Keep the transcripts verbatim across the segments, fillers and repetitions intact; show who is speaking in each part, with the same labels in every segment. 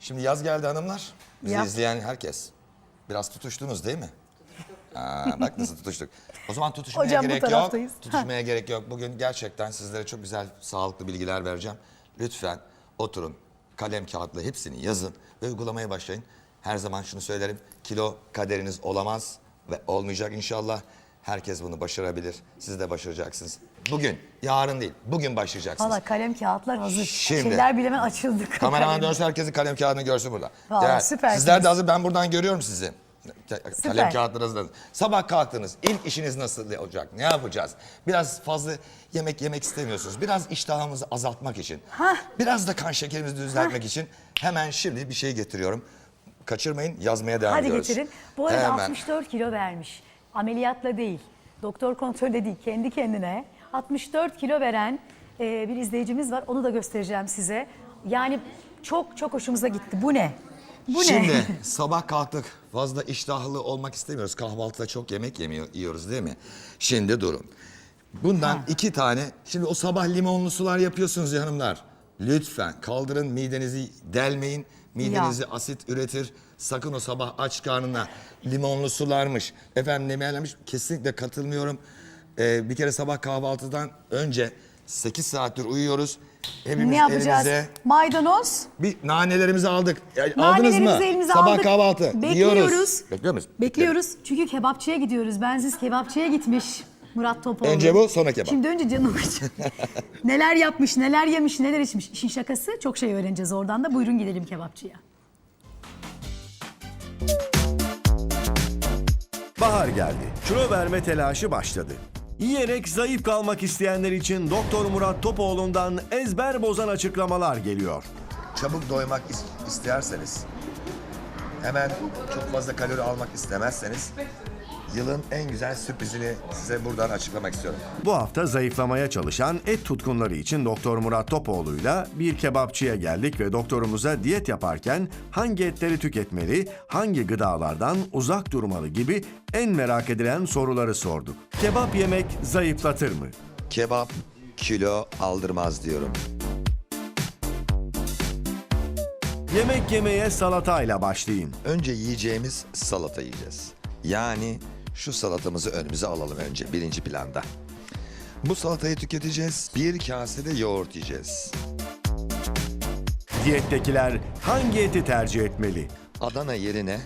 Speaker 1: Şimdi yaz geldi hanımlar. Bizi
Speaker 2: Yap.
Speaker 1: izleyen herkes. Biraz tutuştunuz değil mi? Aa, bak nasıl tutuştuk. O zaman tutuşmaya
Speaker 2: Hocam bu
Speaker 1: gerek yok.
Speaker 2: taraftayız.
Speaker 1: Tutuşmaya gerek yok. Bugün gerçekten sizlere çok güzel, sağlıklı bilgiler vereceğim. Lütfen oturun, kalem kağıtla hepsini yazın ve uygulamaya başlayın. Her zaman şunu söylerim, kilo kaderiniz olamaz ve olmayacak inşallah. Herkes bunu başarabilir. Siz de başaracaksınız. Bugün, yarın değil, bugün başlayacaksınız.
Speaker 2: Valla kalem kağıtlar hazır.
Speaker 1: Şimdi.
Speaker 2: Şeyler bilemen açıldık.
Speaker 1: Kameraman dönsün, herkesin kalem kağıdını görsün burada.
Speaker 2: Vallahi
Speaker 1: Değer.
Speaker 2: süpersiniz.
Speaker 1: Sizler de hazır, ben buradan görüyorum sizi. Ka-
Speaker 2: Süper.
Speaker 1: Kalem kağıtları hazırladınız. Sabah kalktınız, ilk işiniz nasıl olacak, ne yapacağız? Biraz fazla yemek yemek istemiyorsunuz. Biraz iştahımızı azaltmak için.
Speaker 2: Hah.
Speaker 1: Biraz da kan şekerimizi düzeltmek için hemen şimdi bir şey getiriyorum. Kaçırmayın, yazmaya devam
Speaker 2: Hadi
Speaker 1: ediyoruz.
Speaker 2: getirin. Bu arada
Speaker 1: Hemen.
Speaker 2: altmış dört kilo vermiş. Ameliyatla değil, doktor kontrolü değil, kendi kendine. altmış dört kilo veren e, bir izleyicimiz var. Onu da göstereceğim size. Yani çok çok hoşumuza gitti. Bu ne? Bu
Speaker 1: Şimdi
Speaker 2: ne?
Speaker 1: sabah kalktık, fazla iştahlı olmak istemiyoruz. Kahvaltıda çok yemek yemiyor, yiyoruz değil mi? Şimdi durun. Bundan iki tane, şimdi o sabah limonlu sular yapıyorsunuz ya hanımlar. Lütfen kaldırın, midenizi delmeyin. Midenizi
Speaker 2: Ya.
Speaker 1: asit üretir. Sakın o sabah aç karnına limonlu sularmış, efendim nemelermiş, kesinlikle katılmıyorum. Ee, bir kere sabah kahvaltıdan önce sekiz saattir uyuyoruz. Hepimiz
Speaker 2: Ne yapacağız?
Speaker 1: elimize
Speaker 2: Maydanoz.
Speaker 1: bir nanelerimizi aldık. Yani aldınız
Speaker 2: Nanelerimizi
Speaker 1: mı?
Speaker 2: elimize
Speaker 1: Sabah
Speaker 2: aldık.
Speaker 1: kahvaltı.
Speaker 2: Bekliyoruz.
Speaker 1: Yiyoruz. Bekliyor muyuz?
Speaker 2: Bekliyoruz. Çünkü kebapçıya gidiyoruz. Bensiz kebapçıya gitmiş Murat Topoğlu.
Speaker 1: Önce bu, sonra kebap.
Speaker 2: Şimdi önce canım için. Neler yapmış, neler yemiş, neler içmiş. İşin şakası, çok şey öğreneceğiz oradan da. Buyurun gidelim kebapçıya.
Speaker 3: Bahar geldi. Kilo verme telaşı başladı. Yiyerek zayıf kalmak isteyenler için Doktor Murat Topoğlu'ndan ezber bozan açıklamalar geliyor.
Speaker 1: Çabuk doymak is- isterseniz, hemen çok fazla kalori almak istemezseniz, yılın en güzel sürprizini size buradan açıklamak istiyorum.
Speaker 3: Bu hafta zayıflamaya çalışan et tutkunları için Doktor Murat Topoğlu'yla bir kebapçıya geldik ve doktorumuza diyet yaparken hangi etleri tüketmeli, hangi gıdalardan uzak durmalı gibi en merak edilen soruları sorduk. Kebap yemek zayıflatır mı?
Speaker 1: Kebap kilo aldırmaz diyorum.
Speaker 3: Yemek yemeye salatayla başlayın.
Speaker 1: Önce yiyeceğimiz salata yiyeceğiz. Yani şu salatamızı önümüze alalım önce birinci planda. Bu salatayı tüketeceğiz. Bir kase de yoğurt yiyeceğiz.
Speaker 3: Diyettekiler hangi eti tercih etmeli?
Speaker 1: Adana yerine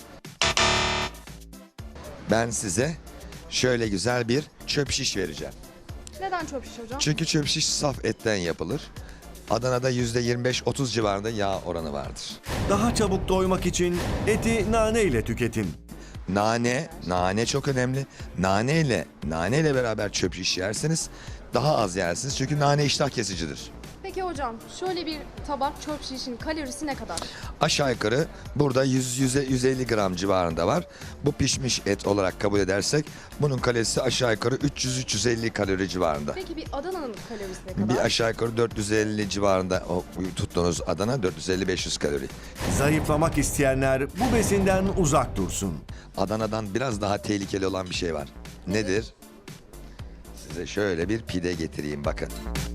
Speaker 1: ben size şöyle güzel bir çöp şiş vereceğim.
Speaker 4: Neden çöp şiş hocam?
Speaker 1: Çünkü çöp şiş saf etten yapılır. Adana'da yüzde yirmi beş otuz civarında yağ oranı vardır.
Speaker 3: Daha çabuk doymak için eti nane ile tüketin.
Speaker 1: Nane, nane çok önemli. Nane ile, nane ile beraber çöp şiş yerseniz daha az yersiniz. Çünkü nane iştah kesicidir.
Speaker 4: Peki hocam şöyle bir tabak çöp şişin kalorisi ne kadar?
Speaker 1: Aşağı yukarı burada yüz yüz elli gram civarında var. Bu pişmiş et olarak kabul edersek bunun kalorisi aşağı yukarı üç yüz üç yüz elli kalori civarında.
Speaker 4: Peki bir Adana'nın kalorisi ne kadar?
Speaker 1: Bir aşağı yukarı dört yüz elli civarında o tuttuğunuz Adana dört yüz elli beş yüz kalori.
Speaker 3: Zayıflamak isteyenler bu besinden uzak dursun.
Speaker 1: Adana'dan biraz daha tehlikeli olan bir şey var. Nedir? Size şöyle bir pide getireyim bakın.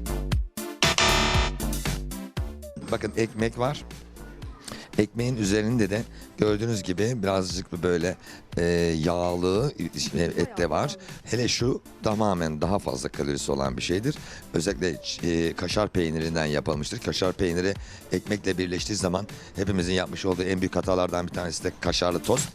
Speaker 1: Bakın ekmek var. Ekmeğin üzerinde de gördüğünüz gibi birazcık böyle e, yağlı et de var. Hele şu tamamen daha fazla kalorisi olan bir şeydir. Özellikle e, kaşar peynirinden yapılmıştır. Kaşar peyniri ekmekle birleştiği zaman hepimizin yapmış olduğu en büyük hatalardan bir tanesi de kaşarlı tost.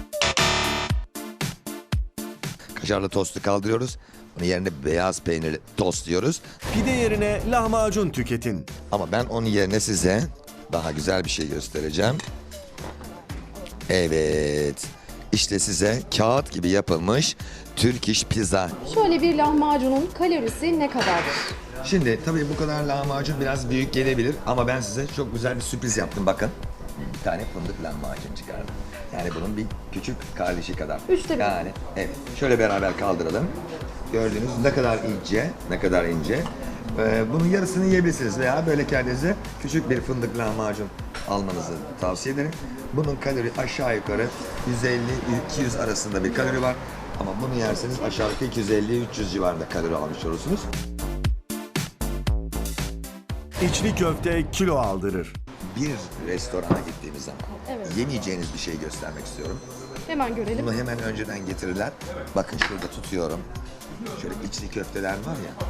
Speaker 1: Kaşarlı tostu kaldırıyoruz. Onun yerine beyaz peynirli tost diyoruz.
Speaker 3: Pide yerine lahmacun tüketin.
Speaker 1: Ama ben onun yerine size daha güzel bir şey göstereceğim. Evet. İşte size kağıt gibi yapılmış Türk iş pizza.
Speaker 4: Şöyle bir lahmacunun kalorisi ne kadardır?
Speaker 1: Şimdi tabii bu kadar lahmacun biraz büyük gelebilir ama ben size çok güzel bir sürpriz yaptım bakın. Bir tane fındık lahmacun çıkardım. Yani bunun bir küçük kardeşi kadar.
Speaker 4: Üçte bir.
Speaker 1: Yani evet. Şöyle beraber kaldıralım. Gördüğünüz ne kadar ince, ne kadar ince. Ee, bunun yarısını yiyebilirsiniz veya böyle kendinize küçük bir fındık lahmacun almanızı tavsiye ederim. Bunun kalori aşağı yukarı yüz elli iki yüz arasında bir kalori var. Ama bunu yerseniz aşağı yukarı iki yüz elli üç yüz civarında kalori almış olursunuz.
Speaker 3: İçli köfte kilo aldırır.
Speaker 1: bir restorana gittiğimiz zaman
Speaker 4: Evet.
Speaker 1: yemeyeceğiniz bir şey göstermek istiyorum.
Speaker 4: Hemen görelim.
Speaker 1: Bunu hemen önceden getirirler. Bakın şurada tutuyorum. Şöyle içli köfteler var ya.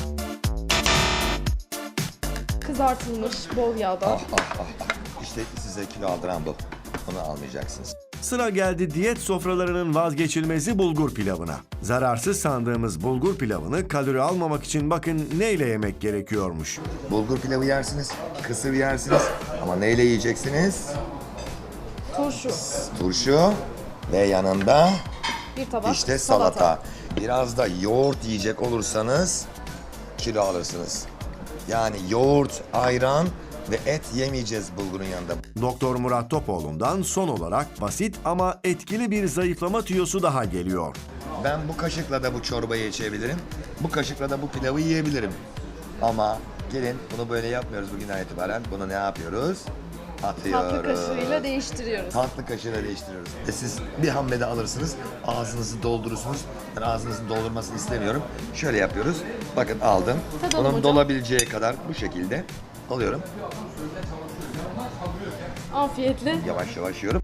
Speaker 4: Kızartılmış bol yağda.
Speaker 1: Ah ah ah ah. İşte size kilo aldıran bu. Onu almayacaksınız.
Speaker 3: Sıra geldi diyet sofralarının vazgeçilmezi bulgur pilavına. Zararsız sandığımız bulgur pilavını kalori almamak için bakın neyle yemek gerekiyormuş.
Speaker 1: Bulgur pilavı yersiniz, kısır yersiniz ama neyle yiyeceksiniz?
Speaker 4: Turşu.
Speaker 1: Turşu ve yanında
Speaker 4: Bir tabak
Speaker 1: işte salata. Biraz da yoğurt yiyecek olursanız kilo alırsınız. Yani yoğurt, ayran ve et yemeyeceğiz bulgurun yanında.
Speaker 3: Doktor Murat Topoğlu'ndan son olarak basit ama etkili bir zayıflama tüyosu daha geliyor.
Speaker 1: Ben bu kaşıkla da bu çorbayı içebilirim. Bu kaşıkla da bu pilavı yiyebilirim. Ama gelin bunu böyle yapmıyoruz bugünden itibaren. Bunu ne yapıyoruz? Atıyoruz.
Speaker 4: Tatlı kaşığıyla değiştiriyoruz.
Speaker 1: Tatlı kaşığıyla değiştiriyoruz. E siz bir hamlede alırsınız, ağzınızı doldurursunuz. Ben ağzınızın doldurmasını istemiyorum. Şöyle yapıyoruz. Bakın aldım.
Speaker 4: Tadalım
Speaker 1: Onun
Speaker 4: hocam.
Speaker 1: dolabileceği kadar bu şekilde alıyorum.
Speaker 4: Afiyetle.
Speaker 1: Yavaş yavaş yiyorum.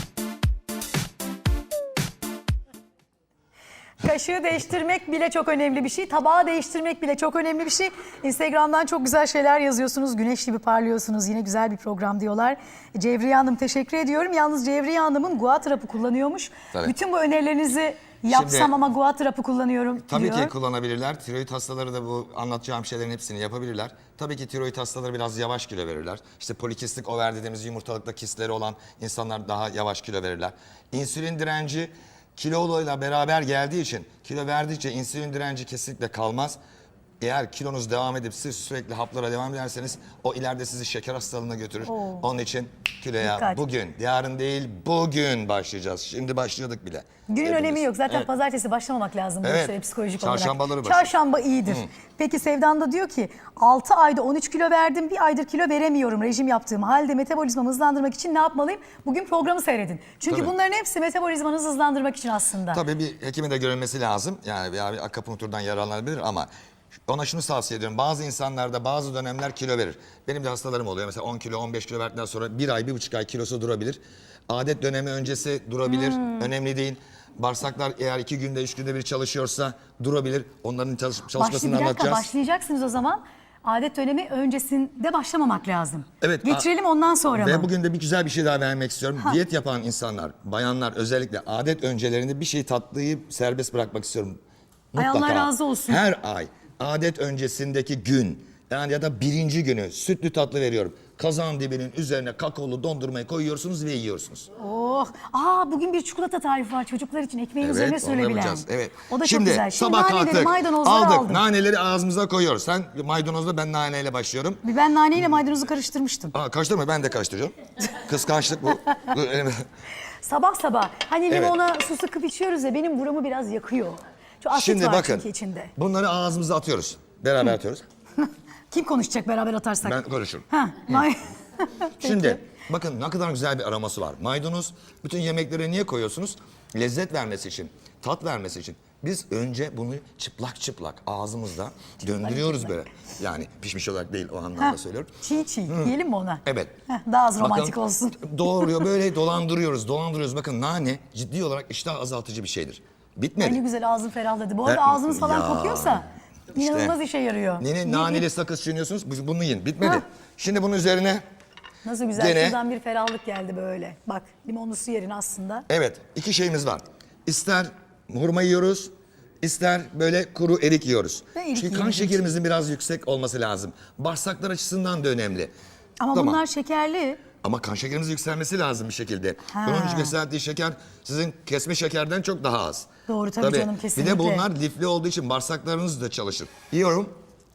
Speaker 2: Kaşığı değiştirmek bile çok önemli bir şey. Tabağı değiştirmek bile çok önemli bir şey. Instagram'dan çok güzel şeyler yazıyorsunuz. Güneş gibi parlıyorsunuz. Yine güzel bir program diyorlar. Cevriye Hanım teşekkür ediyorum. Yalnız Cevriye Hanım'ın guat rapı kullanıyormuş.
Speaker 1: Tabii.
Speaker 2: Bütün bu önerilerinizi yapsam
Speaker 1: Şimdi-
Speaker 2: ama guat rapı kullanıyorum
Speaker 1: Tabii
Speaker 2: diyor.
Speaker 1: ki kullanabilirler. Tiroid hastaları da bu anlatacağım şeylerin hepsini yapabilirler. Tabii ki tiroid hastaları biraz yavaş kilo verirler. İşte polikistik over dediğimiz yumurtalıkta kistleri olan insanlar daha yavaş kilo verirler. İnsülin direnci kiloluyla beraber geldiği için, kilo verdikçe insülin direnci kesinlikle kalmaz. Eğer kilonuz devam edip siz sürekli haplara devam ederseniz o ileride sizi şeker hastalığına götürür.
Speaker 2: Oo.
Speaker 1: Onun için kiloya
Speaker 2: Dikkat.
Speaker 1: bugün, yarın değil bugün başlayacağız. Şimdi başladık bile.
Speaker 2: Günün
Speaker 1: Hepimiz.
Speaker 2: önemi yok. Zaten
Speaker 1: Evet.
Speaker 2: pazartesi başlamamak lazım bu
Speaker 1: Evet.
Speaker 2: işlere psikolojik
Speaker 1: Çarşambaları
Speaker 2: olarak.
Speaker 1: başlıyor.
Speaker 2: Çarşamba iyidir. Peki Sevdan da diyor ki altı ayda on üç kilo verdim. Bir aydır kilo veremiyorum rejim yaptığım halde metabolizmamı hızlandırmak için ne yapmalıyım? Bugün programı seyredin. Çünkü
Speaker 1: Tabii.
Speaker 2: bunların hepsi metabolizmanızı hızlandırmak için aslında.
Speaker 1: Tabii bir hekime de görülmesi lazım. Yani veya bir akupunkturdan yararlanabilir ama ona şunu tavsiye ediyorum. Bazı insanlarda bazı dönemler kilo verir. Benim de hastalarım oluyor. Mesela on kilo, on beş kilo verdikten sonra bir ay, bir buçuk ay kilosu durabilir. Adet dönemi öncesi durabilir. Önemli değil. Bağırsaklar eğer iki günde, üç günde bir çalışıyorsa durabilir. Onların çalış
Speaker 2: Başlı,
Speaker 1: çalışmasını
Speaker 2: bir dakika
Speaker 1: anlatacağız.
Speaker 2: başlayacaksınız o zaman. Adet dönemi öncesinde başlamamak lazım.
Speaker 1: Evet,
Speaker 2: Getirelim ondan sonra
Speaker 1: Ve
Speaker 2: mı?
Speaker 1: bugün de bir güzel bir şey daha vermek istiyorum. Diyet yapan insanlar, bayanlar özellikle adet öncelerinde bir şey tatlıyı serbest bırakmak istiyorum.
Speaker 2: Ay, Allah
Speaker 1: Mutlaka.
Speaker 2: razı olsun.
Speaker 1: Her ay adet öncesindeki gün yani ya da birinci günü sütlü tatlı veriyorum. Kazan dibinin üzerine kakaolu dondurmayı koyuyorsunuz ve yiyorsunuz.
Speaker 2: Oh, aa bugün bir çikolata tarifi var çocuklar için ekmeğin üzerine
Speaker 1: onu
Speaker 2: sürebilen.
Speaker 1: yapacağız. Evet.
Speaker 2: O da
Speaker 1: Şimdi,
Speaker 2: çok güzel. Şimdi
Speaker 1: sabah
Speaker 2: naneleri,
Speaker 1: kalktık,
Speaker 2: maydanozları
Speaker 1: aldık.
Speaker 2: aldım.
Speaker 1: Naneleri ağzımıza koyuyoruz. Sen maydanozla ben naneyle başlıyorum.
Speaker 2: Bir ben naneyle maydanozu karıştırmıştım.
Speaker 1: Aa, karıştırma ben de karıştırıyorum. Kıskançlık bu. Dur, elime-
Speaker 2: Sabah sabah hani
Speaker 1: Evet.
Speaker 2: limona su sıkıp içiyoruz ya benim buramı biraz yakıyor. Şu asit
Speaker 1: Şimdi
Speaker 2: var
Speaker 1: bakın
Speaker 2: çünkü içinde.
Speaker 1: bunları ağzımıza atıyoruz. Beraber atıyoruz.
Speaker 2: Kim konuşacak beraber atarsak?
Speaker 1: Ben konuşurum.
Speaker 2: Ha, may- Peki.
Speaker 1: Şimdi bakın ne kadar güzel bir aroması var. Maydanoz bütün yemeklere niye koyuyorsunuz? Lezzet vermesi için, tat vermesi için. Biz önce bunu çıplak çıplak ağzımızda döndürüyoruz böyle. Yani pişmiş olarak değil o anlamda
Speaker 2: Ha,
Speaker 1: söylüyorum.
Speaker 2: çiğ çiğ yiyelim mi ona?
Speaker 1: Evet.
Speaker 2: Heh, daha az romantik
Speaker 1: Bakın,
Speaker 2: olsun.
Speaker 1: Doğruyor böyle dolandırıyoruz, dolandırıyoruz. Bakın nane ciddi olarak iştah azaltıcı bir şeydir. Bitmedi.
Speaker 2: Ay ne güzel ağzım ferahladı. Bu arada
Speaker 1: Ben-
Speaker 2: ağzınız falan
Speaker 1: Ya,
Speaker 2: kokuyorsa
Speaker 1: işte.
Speaker 2: inanılmaz işe yarıyor.
Speaker 1: Nene,
Speaker 2: Ye-
Speaker 1: naneli
Speaker 2: ye-
Speaker 1: sakız çiğniyorsunuz, bu- bunu yiyin. Bitmedi.
Speaker 2: Ha.
Speaker 1: Şimdi bunun üzerine
Speaker 2: Nasıl güzel
Speaker 1: Gene-
Speaker 2: şuradan bir ferahlık geldi böyle. Bak limonlu su yerine aslında.
Speaker 1: evet iki şeyimiz var. İster hurma yiyoruz, ister böyle kuru erik yiyoruz.
Speaker 2: Ben erik
Speaker 1: Çünkü kan
Speaker 2: yiyemediğim
Speaker 1: şekerimizin biraz yüksek olması lazım. Bağırsaklar açısından da önemli.
Speaker 2: Ama
Speaker 1: Tamam.
Speaker 2: bunlar şekerli.
Speaker 1: Ama kan şekerimizin yükselmesi lazım bir şekilde.
Speaker 2: Ha.
Speaker 1: Bunun yükseldiği şeker sizin kesme şekerden çok daha az.
Speaker 2: Doğru, tabii canım,
Speaker 1: Bir
Speaker 2: kesinlikle.
Speaker 1: de bunlar lifli olduğu için bağırsaklarınız da çalışır. Yiyorum.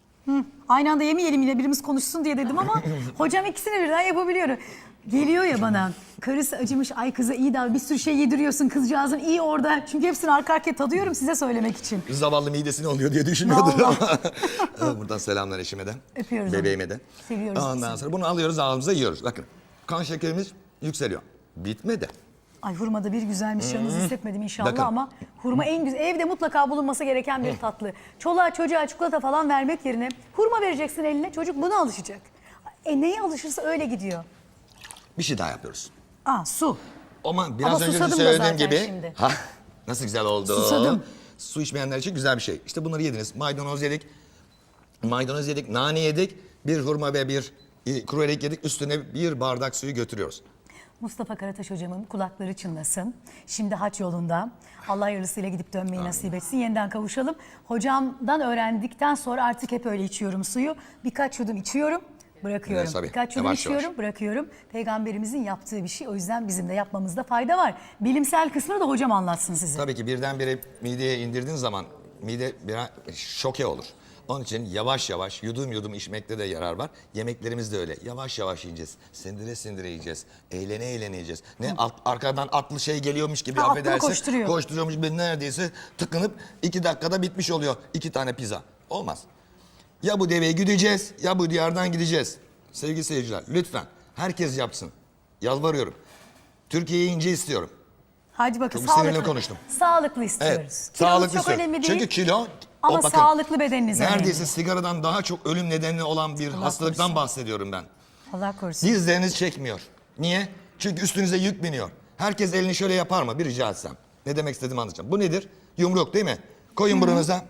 Speaker 2: Aynı anda yemeyelim yine birimiz konuşsun diye dedim ama hocam ikisini birden yapabiliyorum. Geliyor ya bana karısı acımış ay kıza iyi davran bir sürü şey yediriyorsun kızcağızın iyi orada. Çünkü hepsini arka arkaya tadıyorum size söylemek için.
Speaker 1: Zavallı midesine oluyor diye düşünüyordur
Speaker 2: Vallahi.
Speaker 1: ama. Buradan selamlar eşime de.
Speaker 2: Öpüyoruz onu.
Speaker 1: Bebeğime de.
Speaker 2: Seviyoruz
Speaker 1: Ondan
Speaker 2: ikisini.
Speaker 1: sonra bunu alıyoruz ağzımıza yiyoruz. Bakın kan şekerimiz yükseliyor. Bitmedi.
Speaker 2: Ay hurma da bir güzelmiş yalnız hissetmedim inşallah
Speaker 1: Bakın.
Speaker 2: ama hurma en güzel evde mutlaka bulunması gereken bir tatlı. Çoluğa çocuğa çikolata falan vermek yerine hurma vereceksin eline çocuk buna alışacak. E neye alışırsa öyle gidiyor.
Speaker 1: Bir şey daha yapıyoruz.
Speaker 2: Aa su.
Speaker 1: Ama biraz
Speaker 2: Ama
Speaker 1: önce de
Speaker 2: susadım da
Speaker 1: söylediğim
Speaker 2: zaten
Speaker 1: gibi.
Speaker 2: şimdi.
Speaker 1: Ha, nasıl güzel oldu.
Speaker 2: Susadım.
Speaker 1: Su içmeyenler için güzel bir şey. İşte bunları yediniz. Maydanoz yedik. Maydanoz yedik, nane yedik. Bir hurma ve bir e, kuru erik yedik. Üstüne bir bardak suyu götürüyoruz.
Speaker 2: Mustafa Karataş hocamın kulakları çınlasın. Şimdi haç yolunda. Allah hayırlısıyla gidip dönmeyi nasip etsin. Yeniden kavuşalım. Hocamdan öğrendikten sonra artık hep öyle içiyorum suyu. Birkaç yudum içiyorum, bırakıyorum.
Speaker 1: Evet, tabii.
Speaker 2: Birkaç yudum
Speaker 1: Yavaş
Speaker 2: içiyorum,
Speaker 1: yavaş.
Speaker 2: bırakıyorum. Peygamberimizin yaptığı bir şey. O yüzden bizim de yapmamızda fayda var. Bilimsel kısmını da hocam anlatsın size.
Speaker 1: Tabii ki birdenbire mideye indirdiğin zaman mide biraz şoke olur. Onun için yavaş yavaş yudum yudum içmekte de yarar var. Yemeklerimiz de öyle. Yavaş yavaş yiyeceğiz. Sindire sindire yiyeceğiz. Eğlene eğlene yiyeceğiz. Ne alt- arkadan atlı şey geliyormuş gibi
Speaker 2: Ha, atlı
Speaker 1: affedersin.
Speaker 2: koşturuyor.
Speaker 1: Koşturuyormuş gibi neredeyse tıkınıp iki dakikada bitmiş oluyor. İki tane pizza. Olmaz. Ya bu deveyi güdeceğiz ya bu diyardan gideceğiz. Sevgili seyirciler lütfen herkes yapsın. Yalvarıyorum. Türkiye'yi ince istiyorum.
Speaker 2: Hadi bakın
Speaker 1: Çok
Speaker 2: sağlıklı.
Speaker 1: sinirli konuştum.
Speaker 2: Sağlıklı istiyoruz.
Speaker 1: Evet.
Speaker 2: Kilonuz
Speaker 1: Sağlıklı
Speaker 2: çok
Speaker 1: istiyorum.
Speaker 2: önemli değil.
Speaker 1: Çünkü kilo
Speaker 2: Ama
Speaker 1: o bakın,
Speaker 2: sağlıklı bedeniniz
Speaker 1: neredeyse
Speaker 2: önemli.
Speaker 1: sigaradan daha çok ölüm nedeni olan bir hastalıktan
Speaker 2: korusun.
Speaker 1: bahsediyorum ben.
Speaker 2: Allah korusun.
Speaker 1: Dizleriniz çekmiyor. Niye? Çünkü üstünüze yük biniyor. Herkes elini şöyle yapar mı? Bir rica etsem. Ne demek istediğimi anlatacağım. Bu nedir? Yumruk değil mi? Koyun buranıza.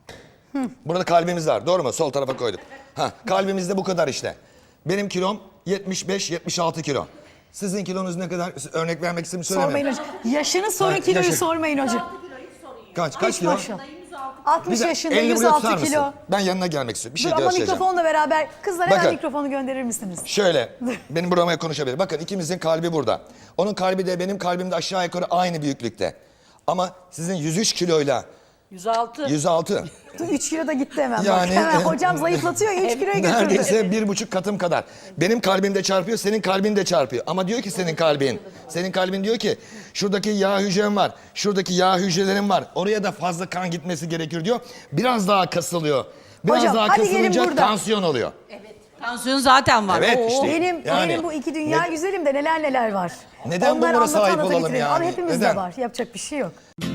Speaker 1: Burada kalbimiz var. Doğru mu? Sol tarafa koyduk. Ha, kalbimiz de bu kadar işte. Benim kilom yetmiş beş yetmiş altı kilo. Sizin kilonuz ne kadar? Örnek vermek istedim
Speaker 2: Sormayın
Speaker 1: söylemem.
Speaker 2: hocam. Yaşını sorun,
Speaker 1: Ha,
Speaker 2: kiloyu
Speaker 1: yaşı.
Speaker 2: sormayın hocam.
Speaker 1: Kaç? Kaç
Speaker 2: Hiç
Speaker 1: kilo?
Speaker 2: maşallah. altmış
Speaker 1: Bir de
Speaker 2: yaşında,
Speaker 1: elini buraya tutar
Speaker 2: yüz altı
Speaker 1: mısın?
Speaker 2: kilo.
Speaker 1: Ben yanına gelmek istiyorum. Bir şey
Speaker 2: Dur ama
Speaker 1: göstereceğim.
Speaker 2: mikrofonla beraber. Kızlar hemen
Speaker 1: Bakın.
Speaker 2: mikrofonu gönderir misiniz?
Speaker 1: Şöyle, benim burama konuşabilir. Bakın ikimizin kalbi burada. Onun kalbi de benim kalbim de aşağı yukarı aynı büyüklükte. Ama sizin yüz üç kiloyla
Speaker 5: yüz altı.
Speaker 1: yüz altı.
Speaker 2: üç kilo da gitti hemen.
Speaker 1: Yani-
Speaker 2: Bak, hemen hocam zayıflatıyor ya üç kiloya götürdü.
Speaker 1: Neredeyse bir buçuk katım kadar. Benim kalbim de çarpıyor, senin kalbin de çarpıyor. Ama diyor ki senin kalbin, senin kalbin diyor ki şuradaki yağ hücrem var, şuradaki yağ hücrelerim var. Oraya da fazla kan gitmesi gerekiyor diyor. Biraz daha kasılıyor. Biraz
Speaker 2: Hocam,
Speaker 1: daha
Speaker 2: hadi gelin
Speaker 1: kasılınca
Speaker 2: buradan.
Speaker 1: tansiyon oluyor.
Speaker 5: Tansiyon zaten var.
Speaker 1: Evet,
Speaker 5: Oo.
Speaker 1: işte.
Speaker 2: Benim,
Speaker 1: Yani-
Speaker 2: benim bu iki dünya
Speaker 1: Ne-
Speaker 2: güzelim de neler neler var.
Speaker 1: Neden
Speaker 2: Onları
Speaker 1: bunlara sahip
Speaker 2: anlata anlata
Speaker 1: olalım
Speaker 2: bitirelim.
Speaker 1: yani?
Speaker 2: Ama hepimizde
Speaker 1: Neden?
Speaker 2: var. Yapacak bir şey yok.